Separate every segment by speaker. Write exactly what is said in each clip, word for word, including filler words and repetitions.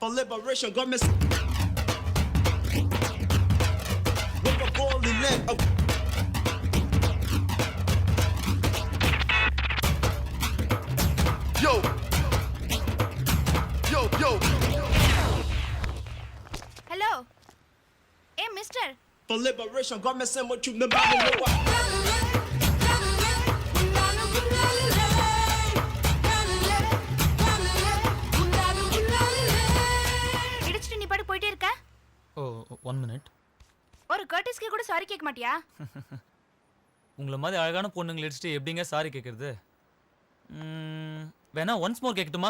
Speaker 1: for liberation. Got me with a golden leg. Oh. Yo, yo, yo.
Speaker 2: Hello. Hey, mister.
Speaker 1: For liberation, got me saying what you never know why.
Speaker 2: இடிச்சிட்டு நீ பாட்டு போயிட்டே இருக்க.
Speaker 3: Oh one minute.
Speaker 2: ஒரு கர்டிஸ்க்கு கூட sorry கேட்க மாட்டியா?
Speaker 3: உங்களை மாதிரி அழகான பொண்ணுங்களை அடிச்சுட்டு எப்படிங்க சாரி கேட்கறது? வேணா ஒன்ஸ் மோர் கேட்கட்டுமா?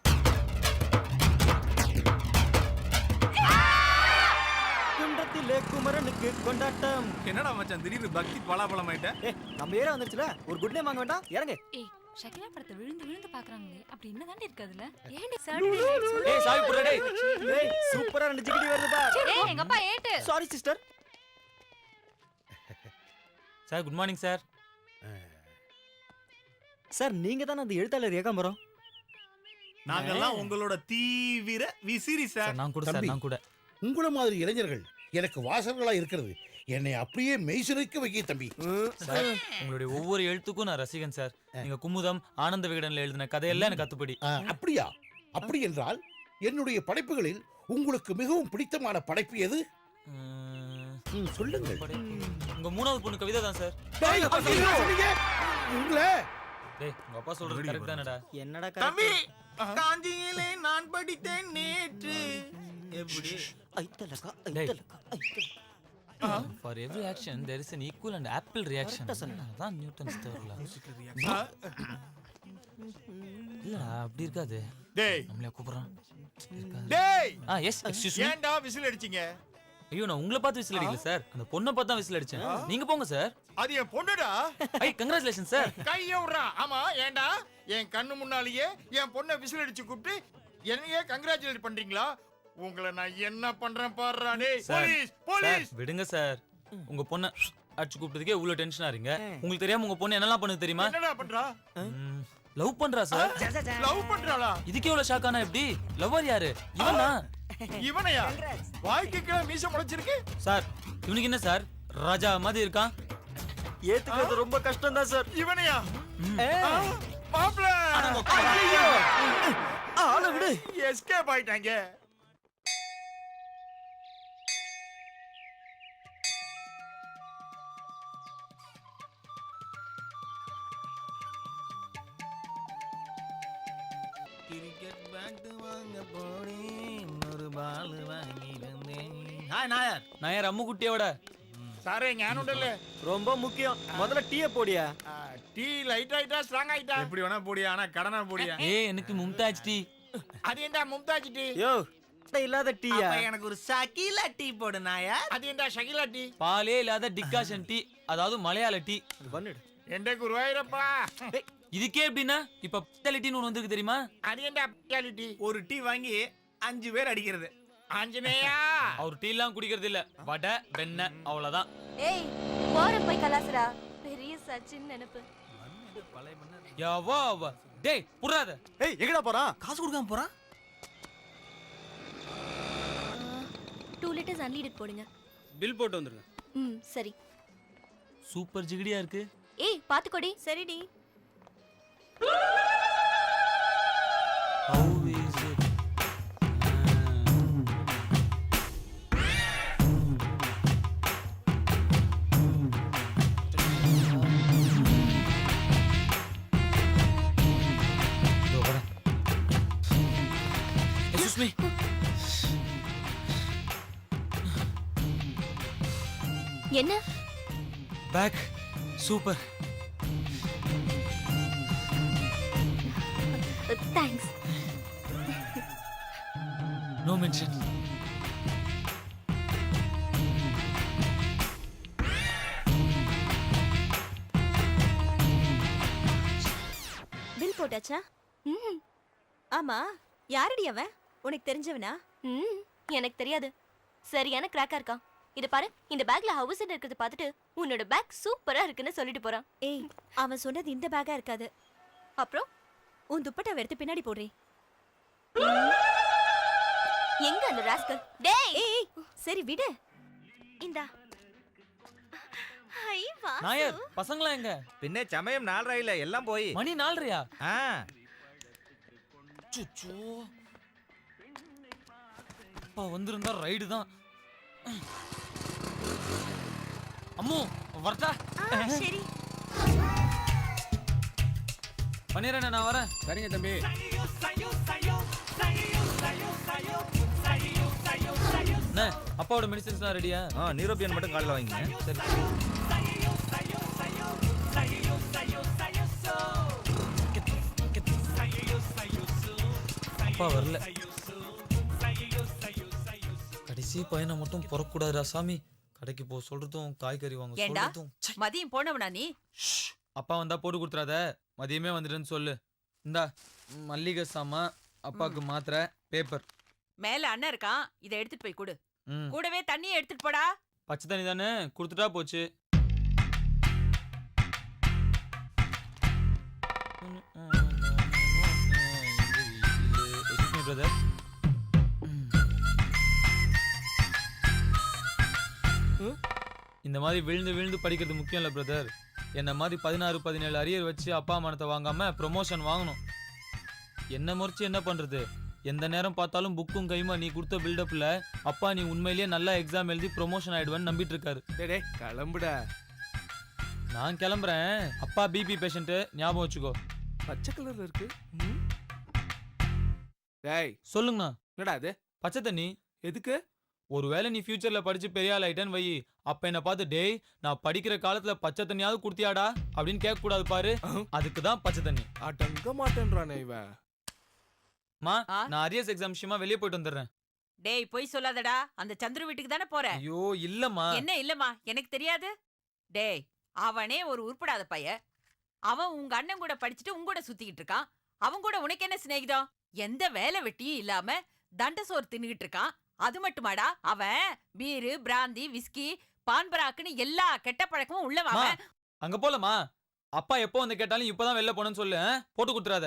Speaker 4: குன்றத்திலே குமரனுக்கு கொண்டாட்டம்.
Speaker 5: என்னடா மச்சான் திடீர்னு பக்தி பலாபலம் ஆயிட்ட?
Speaker 4: ஏ நம்ம ஏரியா வந்துருச்சுல, ஒரு குட் நேம் வாங்க வேண்டாம், இறங்கு.
Speaker 6: ஏய் ஷகிலா படத்தை விழுந்து விழுந்து பாக்குறாங்களே, அப்படி என்ன தாண்டி இருக்கு அதுல? ஏண்டி சாட்டர்டே நைட்
Speaker 3: ஏய் சாவி புறா டேய்.
Speaker 4: ஏய் சூப்பரா ரெண்டு ஜிகிடி வருதுடா.
Speaker 6: ஏய் எங்க அப்பா ஏட்டு.
Speaker 4: Sorry sister.
Speaker 3: Sir good morning sir.
Speaker 4: Sir நீங்க தான அந்த எழுத்தாளர் ஏகாம்பரம்?
Speaker 5: நாங்கெல்லாம் உங்களோட தீவிர விசிறி சார்.
Speaker 3: சார் நான் கூட சார்
Speaker 7: தம்பி.
Speaker 3: நான் கூட.
Speaker 7: உங்கள மாதிரி இளைஞர்கள் எனக்கு வாசகர்களா இருக்கிறது என்னை அப்படியே மெய்சிலிர்க்க வைக்க தம்பி.
Speaker 3: சார் உங்களுடைய ஒவ்வொரு எழுத்துக்கும் நான் ரசிகன் சார். நீங்க குமுதம் ஆனந்த விகடன்ல எழுதின கதையெல்லாம் எனக்கு கத்துப்படி.
Speaker 7: ஆ, அப்படியா? அப்படி என்றால் என்னுடைய படைப்புகளில் உங்களுக்கு மிகவும் பிடித்தமான படைப்பு எது?
Speaker 3: ம்,
Speaker 7: ம், சொல்லுங்கள்.
Speaker 3: உங்க மூணாவது பொண்ணு கவிதை தான் சார்.
Speaker 7: டேய், என்ன சொன்னீங்க? உங்களை
Speaker 3: டேய் உங்க அப்பா சொல்றது கரெக்ட் தானடா?
Speaker 4: என்னடா
Speaker 5: தம்பி காஞ்சியிலே நான் படித்தேன் நேற்று. எப்படி?
Speaker 4: ஐத்தலகா
Speaker 3: டேய்.
Speaker 4: ஐத்தலகா ஐத்தலகா.
Speaker 3: For every action there is an equal and ample reaction. அதான் நியூட்டன்ஸ் தேவரல. இல்ல அப்படி இருக்காது.
Speaker 5: டேய்
Speaker 3: நம்மளே கூப்பிடுறான்.
Speaker 5: டேய்
Speaker 3: ஆ எஸ் எக்ஸ்கியூஸ் மீ.
Speaker 5: ஏன்டா விசில் அடிச்சீங்க?
Speaker 3: ஐயோ நான் உங்களை பார்த்து விசில் அடிக்கல சார். அந்த பொண்ணை பார்த்து தான் விசில் அடிச்சேன். நீங்க போங்க சார்.
Speaker 5: அது என் பொண்ணுடா.
Speaker 3: ஐ கங்க்ராச்சுலேஷன் சார்.
Speaker 5: கைய விடுறா. ஆமா ஏன்டா என் கண்ணு முன்னாலேயே என் பொண்ணை விசில் அடிச்சு கூப்பிட்டு என்னையே கங்க்ராச்சுலேட் பண்றீங்களா? உங்களை நான் என்ன பண்றேன் பாருடா. டேய் போலீஸ் போலீஸ்.
Speaker 3: விடுங்க சார். உங்க பொண்ணை அடிச்சு கூப்பிட்டதுக்கே இவ்வளவு டென்ஷனா இருக்கீங்க. உங்களுக்கு தெரியாம உங்க பொண்ணு என்னெல்லாம் பண்ணுது தெரியுமா?
Speaker 5: என்னடா பண்றா?
Speaker 3: லவ் பண்றா சார்.
Speaker 5: லவ் பண்றாளா?
Speaker 3: இதுக்கே இவ்வளவு ஷாக்கானா எப்படி? லவ்வர் யாரு? இவனா?
Speaker 5: இவனையா? வாய்க்கு கீழே மீச முளைச்சிருக்கு.
Speaker 3: சார் இவனுக்கு என்ன சார் ராஜா மாதிரி இருக்கான்?
Speaker 4: ஏத்துக்கிறது ரொம்ப கஷ்டம் தான் சார்.
Speaker 5: இவனையா? மாப்ள
Speaker 4: ஐயோ ஆள விடு.
Speaker 5: எஸ்கேப் ஆயிட்டாங்க. கிரிக்கெட் பேட் வாங்க போனேன், ஒரு பால் வாங்கி வந்தேன். ஹாய் நாயர்.
Speaker 3: நான் யார் அம்மு குட்டியோட?
Speaker 5: சாரே ஞானுடல்ல.
Speaker 4: ரொம்ப முக்கியம். முதல்ல டீய போடியா.
Speaker 5: டீ லைட் ஆயிட்டா ஸ்ட்ராங் ஆயிட்டா? எப்படி வேணா போடியா, ஆனா கடனா போடியா.
Speaker 3: ஏய் எனக்கு மும்தாஜ் டீ.
Speaker 5: அது என்ன மும்தாஜ் டீ?
Speaker 4: யோ இல்லாத டீயா?
Speaker 5: எனக்கு ஒரு ஷகிலா டீ போடு நாயர். அது என்ன ஷகிலா டீ?
Speaker 3: பாலே இல்லாத டிகாஷன் டீ, அதாவது மலையாள டீ.
Speaker 4: பண்ணிடு.
Speaker 5: எந்த குருவாயிரப்பா.
Speaker 3: இதுக்கே எப்படின்னா இப்ப ஸ்பெஷாலிட்டின்னு ஒன்று வந்திருக்கு தெரியுமா?
Speaker 5: அது என்ன ஸ்பெஷாலிட்டி? ஒரு டீ வாங்கி அஞ்சு பேர் அடிக்கிறது. ஆஞ்சநேயா
Speaker 3: அவர் டீ எல்லாம் குடிக்கிறது இல்ல, வடை வெண்ணெய் அவ்வளவுதான்.
Speaker 2: ஏய் போற போய் கலாசரா. பெரிய சச்சின் நினைப்பு.
Speaker 3: யாவா அவ டேய் புறாத.
Speaker 4: ஏய் எங்கடா போறான்? காசு கொடுக்காம போறான்.
Speaker 2: டூ லிட்டர்ஸ் அன்லீடட் போடுங்க.
Speaker 8: பில் போட்டு வந்துருங்க.
Speaker 2: ம் சரி.
Speaker 3: சூப்பர் ஜிகிடியா இருக்கு.
Speaker 2: ஏய் பாத்துக்கோடி. சரிடி.
Speaker 3: How is it? Excuse me.
Speaker 2: என்ன?
Speaker 3: Back. Super.
Speaker 2: Thanks.
Speaker 3: No mention.
Speaker 2: Bill போட்டாச்சா? ம். ஆமா யாரடி அவன்? உனக்கு தெரிஞ்சவனா? ம் எனக்கு தெரியாது. சரியான கிராக்கா இருக்கான். இத பாரு, இந்த பேக்ல ஹவுஸ் இருக்கிறத பார்த்துட்டு உன்னோட பேக் சூப்பரா இருக்குன்னு சொல்லிட்டு போறான். ஏய் அவன் சொன்னது இந்த பேக்கா இருக்காது. அப்புறம் உன் துப்பட்டாவை எடுத்து பின்னாடி போடுறே. எங்க அந்த ராஸ்கல்? டேய் ஏய் சரி விடு. இந்தா. ஐ வா.
Speaker 3: நாயர் பசங்களா எங்க?
Speaker 4: பின்ன சமயம் நாலரையில எல்லாம் போய்
Speaker 3: மணி நாலரையா?
Speaker 4: ஆ
Speaker 3: சுச்சோ. அப்பா வந்திருந்தா ரைடு தான். அம்மு வரட்டா?
Speaker 2: ஆ சரி.
Speaker 3: பண்ணிடுறேன் நான் வரேன்.
Speaker 7: சரிங்க தம்பி.
Speaker 3: அண்ணே அப்பாவோட மெடிசன்ஸ்லாம் ரெடியா?
Speaker 4: ஆ நியூரோபியன் மட்டும் காலைல வாங்கிங்க.
Speaker 3: சரி. அப்பா வரல. கடைசி பையனை மட்டும் புறக்கூடாதுடா சாமி. கடைக்கு போ சொல்றதும் காய்கறி வாங்க
Speaker 8: ஏண்டா
Speaker 3: சொல்றதும். ச்சை.
Speaker 8: மதியம் போனவனா நீ?
Speaker 3: அப்பா வந்தா போட்டு கொடுத்துறாத, மதியமே வந்துடுன்னு சொல்லு. இந்தா மல்லிகை சாமான், அப்பாவுக்கு மாத்திரை, பேப்பர்.
Speaker 8: மேல அண்ணன் இருக்கான், இதை எடுத்துட்டு போய் கொடு.
Speaker 3: ம்
Speaker 8: கூடவே தண்ணியை எடுத்துட்டு போடா.
Speaker 3: பச்சை தண்ணி தானே கொடுத்துட்டா போச்சு. பிரதர் இந்த மாதிரி விழுந்து விழுந்து படிக்கிறது முக்கியம் இல்லை பிரதர். என்ன மாதிரி பதினாறு பதினேழு அரியர் வச்சு அப்பா மனத்தை வாங்காம ப்ரொமோஷன் வாங்கணும். என்ன முறைச்சு என்ன பண்றது? எந்த நேரம் பார்த்தாலும் புக்கும் கைமா நீ கொடுத்த பில்டப்ல அப்பா நீ உண்மையிலேயே நல்லா எக்ஸாம் எழுதி ப்ரொமோஷன் ஆயிடுவேன்னு நம்பிட்டு இருக்காரு.
Speaker 4: டேய் கிளம்புடா.
Speaker 3: நான் கிளம்புறேன். அப்பா பிபி பேஷண்ட் ஞாபகம் வச்சுக்கோ.
Speaker 4: பச்சை கலர்ல இருக்கு. டேய்
Speaker 3: சொல்லுங்கண்ணா.
Speaker 4: என்னடா இது?
Speaker 3: பச்சை தண்ணி
Speaker 4: எதுக்கு?
Speaker 3: ஒருவேளை நீ ஃபியூச்சர்ல படிச்சு பெரிய ஆள் ஆயிட்டேன்னு வை, அப்ப என்ன பார்த்து டேய் நான் படிக்கிற காலத்துல பச்சை தண்ணியாவது குடுத்தியாடா அப்படின்னு கேட்க கூடாது பாரு. அதுக்கு தான் பச்சை தண்ணி.
Speaker 4: அடங்க மாட்டேன்றானே இவன்.
Speaker 3: மா
Speaker 8: ஆ?
Speaker 3: நான் அரியர்ஸ் எக்ஸாம் விஷயமா வெளியே போயிட்டு வந்துடுறேன்.
Speaker 8: டேய் போய் சொல்லாதடா, அந்த சந்துரு வீட்டுக்கு தானே போற.
Speaker 3: ஐயோ இல்லம்மா.
Speaker 8: என்ன இல்லம்மா, எனக்கு தெரியாது. டேய் அவனே ஒரு உருப்படாத பைய. அவன் உங்க அண்ணன் கூட படிச்சுட்டு உங்க கூட சுத்திக்கிட்டு இருக்கான். அவன் கூட உனக்கு என்ன சிநேகிதம்? எந்த வேலை வெட்டியும் இல்லாம தண்ட சோறு தின்னுகிட்டு இருக்கான். அது மட்டுமாடா, அவன் பீரு பிராந்தி விஸ்கி பான்பராக்குன்னு எல்லா கெட்ட பழக்கமும் உள்ளவன்
Speaker 3: மா,
Speaker 8: அவன்.
Speaker 3: அங்க போலமா. அப்பா எப்போ வந்து கேட்டாலும் இப்பதான் வெளில போனேன்னு சொல்லு. ஆ? போட்டு கொடுத்துறாத.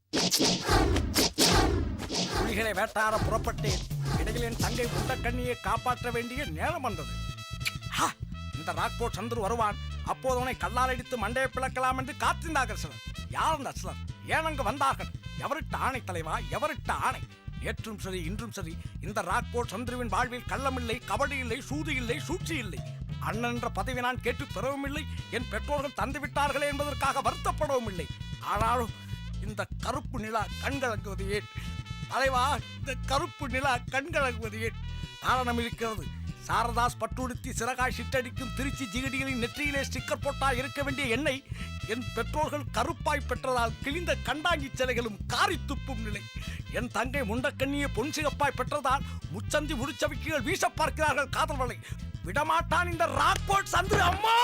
Speaker 9: புலிகளை வேட்டார புறப்பட்டேன். இடையில் என் தங்கை முண்டக்கண்ணியை காப்பாற்ற வேண்டிய நேரம் வந்தது. ஹா! இந்த ராக்போர்ட் சந்துரு வருவான். அப்போது அவனை கல்லால் அடித்து மண்டையை பிளக்கலாம் என்று காத்திருந்தார்கள் சிலர். யார் அந்த சிலர்? ஏன் அங்கு வந்தார்கள்? எவரிட்ட ஆணை தலைவா, எவரிட்ட ஆணை? நேற்றும் சரி இன்றும் சரி இந்த ராக்போர்ட் சந்துருவின் வாழ்வில் கள்ளமில்லை, கபடி இல்லை, சூது இல்லை, சூழ்ச்சி இல்லை. அண்ணன் என்ற பதவி நான் கேட்டு பெறவும் இல்லை. என் பெற்றோர்கள் தந்து விட்டார்களே என்பதற்காக வருத்தப்படவும் இல்லை. ஆனாலும் இந்த கருப்பு நிலா கண்கலங்குவது ஏன் தலைவா? இந்த கருப்பு நிலா கண்கலங்குவது ஏன்? காரணம் இருக்கிறது. சாரதாஸ் பட்டுடுத்தி சிறகாய் சிட்டடிக்கும் திருச்சி ஜிகடிகளின் நெற்றியிலே ஸ்டிக்கர் போட்டா இருக்க வேண்டிய எண்ணெய் என் பெற்றோர்கள் கருப்பாய் பெற்றதால் கிழிந்த கண்டாங்கி சிலைகளும் காரி துப்பும் நிலை. என் தங்கை முண்டக்கண்ணியை பொன் சிகப்பாய் பெற்றதால் முச்சந்தி முடிச்சவிக்கிகள் வீச பார்க்கிறார்கள் காதல்வலை. விடமாட்டான் இந்த ராக்போர்ட் சந்திர. அம்மா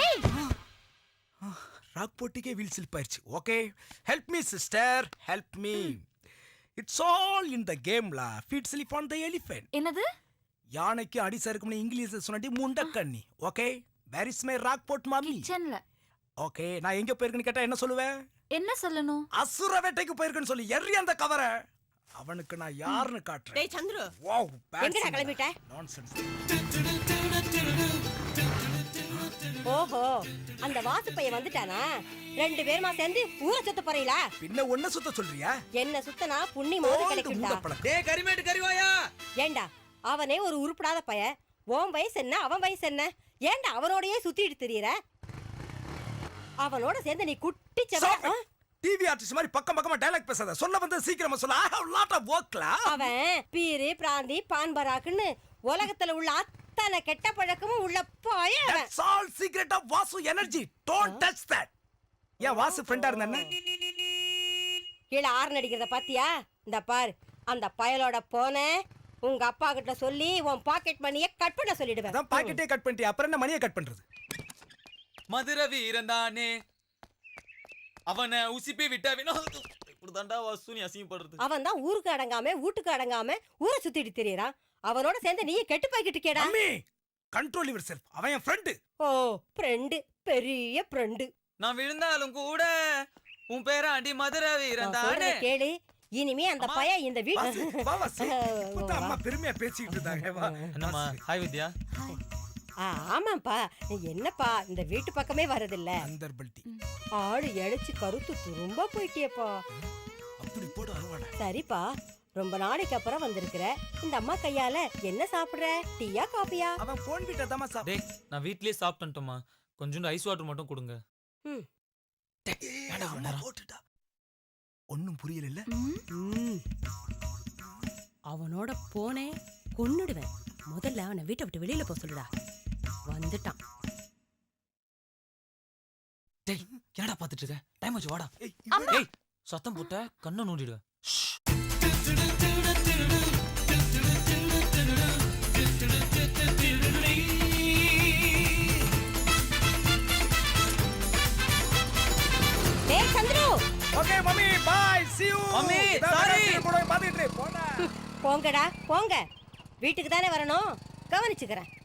Speaker 9: ராக்போர்ட்டுக்கே வீல் சிலிப்பாயிருச்சு. Okay help me sister, help me. It's all in the கேம்லா. Feet slip on the elephant.
Speaker 6: என்னது?
Speaker 9: யானைக்கு அடி சறுக்கும்னு இங்கிலீஷ்ல சொன்னாடி முண்டக்கண்ணி. Okay where is my Rockfort மாமி?
Speaker 6: கிச்சன்ல.
Speaker 9: ஓகே நான் எங்க போயிருக்கேன்னு கேட்டா என்ன சொல்லுவேன்?
Speaker 6: என்ன சொல்லணும்?
Speaker 9: அசுர வேட்டைக்கு போயிருக்கேன்னு சொல்லி எறி அந்த கவர. அவனுக்கு நான் யாருன்னு காட்டுறேன்.
Speaker 8: டேய் சந்துரு,
Speaker 9: வாவ்
Speaker 8: எங்கடா கிளம்பிட்ட?
Speaker 9: நான்சென்ஸ்.
Speaker 10: ஓஹோ அந்த வாசு பையன் வந்துட்டானா? ரெண்டு பேருமா சேர்ந்து ஊரை சுத்த போறீங்களா?
Speaker 9: பின்ன ஒண்ணு சுத்த சொல்றியா?
Speaker 10: என்ன சுத்தனா புண்ணியமாவது கிடைக்கும்டா.
Speaker 4: டேய் கரிமேட்டு கறிவாயா.
Speaker 10: ஏண்டா அவனே ஒரு உருப்படாத பையன். உன் வயசு என்ன அவன் வயசு என்ன? ஏண்டா அவனோடயே சுத்திட்டு திரியற? அவனோட சேர்ந்து நீ குட்டி செவ.
Speaker 9: டிவி ஆர்டிஸ்ட் மாதிரி பக்கம் பக்கமா டயலாக் பேசாத. சொல்ல வந்து சீக்கிரமா சொல்ல. I have lot of work la.
Speaker 10: அவன் பீரு பிராந்தி பான்பராக்குன்னு உலகத்துல உள்ள அத்தனை கெட்ட பழக்கமும் உள்ள பையன்.
Speaker 9: That's all secret of Vasu energy. Don't touch that. ஏன் வாசு ஃப்ரெண்டா இருந்தானே?
Speaker 10: கீழ ஆர்ன் அடிக்கிறத பாத்தியா? இந்த பார் அந்த பயலோட போனே உங்க அப்பா கிட்ட சொல்லி உன் பாக்கெட் மணியை கட் பண்ண சொல்லிடுவேன்.
Speaker 9: அதான் பாக்கெட்டே கட் பண்ணிட்டியா, அப்புறம் என்ன மணியை கட் பண்றது?
Speaker 3: மதுர வீரன் தானே அவனை உசிப்பி விட்டா வேணா இப்படிதான்டா வாசு நீ அசிங்கப்படுறது.
Speaker 10: அவன் தான் ஊருக்கு அடங்காம வீட்டுக்கு அடங்காம ஊரை சுத்திட்டு திரியறான். அவனோட சேர்ந்து நீ கெட்டு போய்கிட்டு கேடா.
Speaker 9: அம்மி கண்ட்ரோல் யுவர் செல்ஃப். அவன் என் ஃப்ரெண்ட்.
Speaker 10: ஓ ஃப்ரெண்ட், பெரிய ஃப்ரெண்ட்.
Speaker 3: நான் விழுந்தாலும் கூட உன் பேர அடி மதுர வீரன் தானே.
Speaker 10: கேளு, இனிமே அந்த
Speaker 9: அம்மா,
Speaker 10: பையன் இந்த
Speaker 9: வாசு,
Speaker 10: வீட்டு
Speaker 9: வா வாசு. இப்பதான் அம்மா பெருமையா பேசிக்கிட்டு இருந்தாங்க வா.
Speaker 3: என்னம்மா ஹாய் வித்யா.
Speaker 10: ஆ, ஆமாப்பா என்னப்பா இந்த வீட்டு பக்கமே வரதில்ல.
Speaker 9: அந்தர்பல்டி
Speaker 10: ஆடு இழைச்சு கருத்து துரும்பா போயிட்டியப்பா.
Speaker 9: அப்படி போடு அருவாடா.
Speaker 10: சரிப்பா, ரொம்ப நாளைக்கு அப்புறம் வந்திருக்கிற. இந்த அம்மா கையால என்ன சாப்பிடுற? டீயா காபியா?
Speaker 9: அவன் போன் விட்ட தாமா சாப்பிடு.
Speaker 3: டேய் நான் வீட்லயே சாப்பிட்டுட்டோமா, கொஞ்சோண்டு ஐஸ் வாட்டர் மட்டும் கொடுங்க.
Speaker 10: ம்.
Speaker 9: போட்டுட்டா ஒன்னும் புரியல இல்ல.
Speaker 10: ம். அவனோட போனே கொன்னுடுவேன். முதல்ல அவனை வீட்டை விட்டு வெளியில போக சொல்லுடா. வந்துட்டான்.
Speaker 3: டேய் என்னடா பாத்துட்டு இருக்க? டைம் ஆச்சு வாடா.
Speaker 9: ஏய்,
Speaker 3: ஏய் சத்தம் போட்ட கண்ணை நோண்டிடுவேன்.
Speaker 10: டேய் Chandru,
Speaker 9: okay mummy bye see you.
Speaker 3: Mummy,
Speaker 9: இதான்
Speaker 3: sorry.
Speaker 9: வேலை கூட பாத்துட்டு போடா.
Speaker 10: போங்கடா போங்க. வீட்டுக்கு தானே வரணும், கவனிச்சுக்கிறேன்.